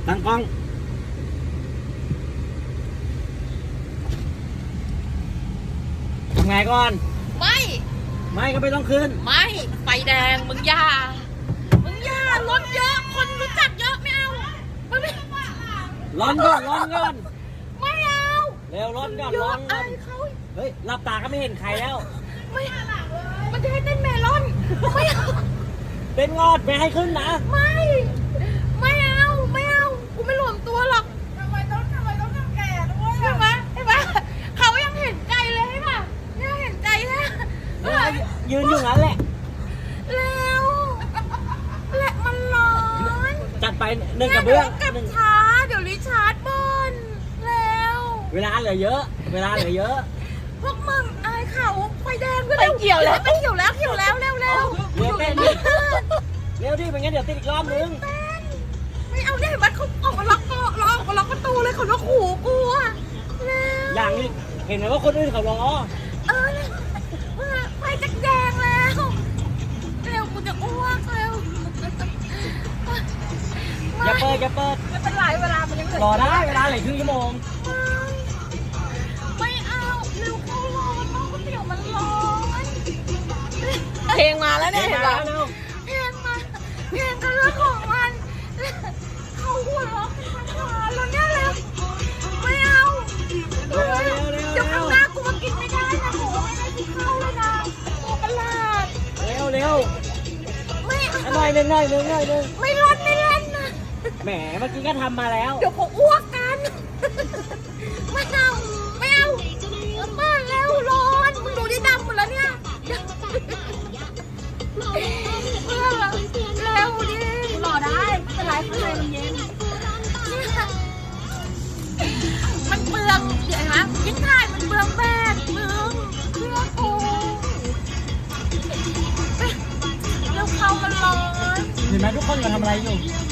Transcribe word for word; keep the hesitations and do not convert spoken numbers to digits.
ตั้งกล้องทำไงก่อนไม่ไม่ก็ไม่ต้องขึ้นไม่ไฟแดงมึงอย่ามึงอย่ารถเยอะคนรู้จักเยอะไม่เอามันไม่ร้อนก่อนร้อนก่อนไม่เอาเร็วร้อนก่อนเยร้ออะนก่ไอ้อนเขาเฮ้ยหลับตาก็ไม่เห็นใครแล้วไม่มันจะให้เต้นเมลอนไม่เอาเป็นงอดไม่ให้ขึ้นนะไม่ไม่เอาไม่เอากูไม่รวมตัวหรอกทำไมต้องทำไมต้องทำแก่ด้วยใช่อ่ะไหมใช่ไหมเขายังเห็นใจเลยใช่ป่ะเนี่ยเห็นใจแค่เออยืนอยู่งั้นแหละแล้วแหละมันร้อนจัดไปหนึ่งกระเบื้องกลับหนึ่งช้าเดี๋ยวริชาร์ดบนแล้วเวลาเหลือเยอะ เวลาเหลือเยอะพวกมึงอายเขาไฟแดงก็เร็วเกี่ยวแล้วไม่เกี่ยวแล้วเกี่ยวแล้วเร็วเร็วเร็วเต้นดิเร็วดิไม่งั้นเดี๋ยวติดอีกรอบนึงไม่เอาเนี่ยเห็นไหมเขาออกมาล็อกก็ล็อกมาล็อกประตูเลยเขาล็อกหูกูอะเร็วอย่างนี้เห็นไหมว่าคนอื่นเขารอเออเร็วไฟจะแดงแล้วเร็วกูจะอ้วกเร็วอย่าเปิดอย่าเปิดไม่เป็นไรเวลามันยังเหลือรอได้เวลาเหลือครึ่งชั่วโมงไม่เอาเร็วเขาร้อนน้องก๋วยเตี๋ยวมันร้อนเพลงมาแล้วเนี่ยเห็เห็นนไหมปะเร็วเพลงมาเพลงก็เรื่องของมันเขาหัวเราะกันทั้งวันแล้วเนี่ยเร็วไม่เอาเร็วเร็วเร็วเดี๋ยวข้างหน้ากูมากินไม่ได้นะหมูไม่ได้กินข้าวเลยนะหมูประหลาดเร็วเร็วไม่เอาหน่อยหนึ่งหน่อยหนึ่งหน่อยหนึ่งไม่ร้อนไม่เล่นนะแหมเมื่อกี้ก็ทำมาแล้วเดี๋ยวเขาอ้วกกันไม่เอาไม่เอามาแล้วร้อนมึงดูที่ดำหมดแล้วเนี่ยเร็วดิรอได้ไม่เป็นไรข้างในมันเย็นมันเปลืองเดี๋ยวนะยิ่งถ่ายมันเปลืองแบตมึงเพื่อกูแล้วเขามันร้อนเห็นไหมทุกคนเราทำอะไรอยู่เ